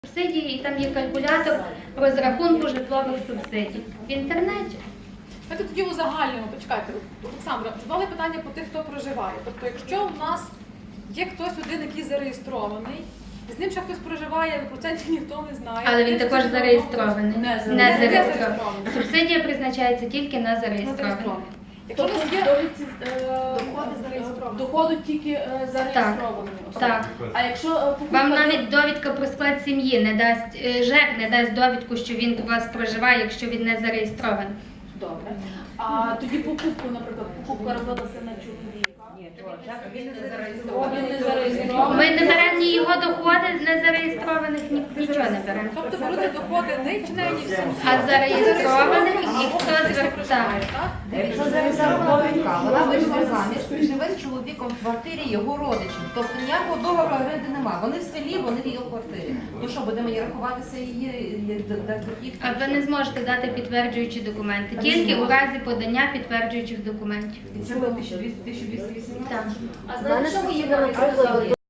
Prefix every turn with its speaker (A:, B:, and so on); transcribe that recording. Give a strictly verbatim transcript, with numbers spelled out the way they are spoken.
A: Субсидії, і там є калькулятор розрахунку житлових субсидій в інтернеті.
B: Давайте тоді узагальнимо, почекайте, Олександра, задали питання по тих, хто проживає. Тобто, якщо в нас є хтось один, який зареєстрований, з ним ще хтось проживає, процентів ніхто не знає.
A: Але він також зареєстрований.
B: Не
A: Не
B: зареєстрований.
A: зареєстрований. Субсидія призначається тільки на зареєстрованих.
B: Якщо у нас є
C: довідці
B: доходи зареєстровані.
C: доходу тільки е, зареєстровані особи.
A: Так.
C: А якщо е, покупка...
A: Вам навіть довідка про склад сім'ї не дасть, е, ЖЕК не дасть довідку, що він у вас проживає, якщо він не зареєстрований.
C: Добре. А тоді покупку, наприклад, покупка робилася на чоловіка.
D: Він не
C: Він
D: зареєстрований.
C: не зареєстрований.
A: Ми не беремо ні його доходи незареєстрованих, ні нічого не беремо.
B: Тобто беруться доходи не членів сім'ї.
A: А зареєстрованих і хто звертає.
D: Це зареєстрована довідка. Вона вийшла заміж, живе з чоловіком в квартирі його родичів. Тобто ніякого договору оренди немає. Вони в селі, вони в її квартирі. Ну що, будемо її рахуватися її дохід?
A: А ви не зможете дати підтверджуючі документи, тільки у разі подання підтверджуючих документів.
D: І це було тисяча двісті вісімнадцять?
A: Так.
C: А знаєте, що ви її, наприклад,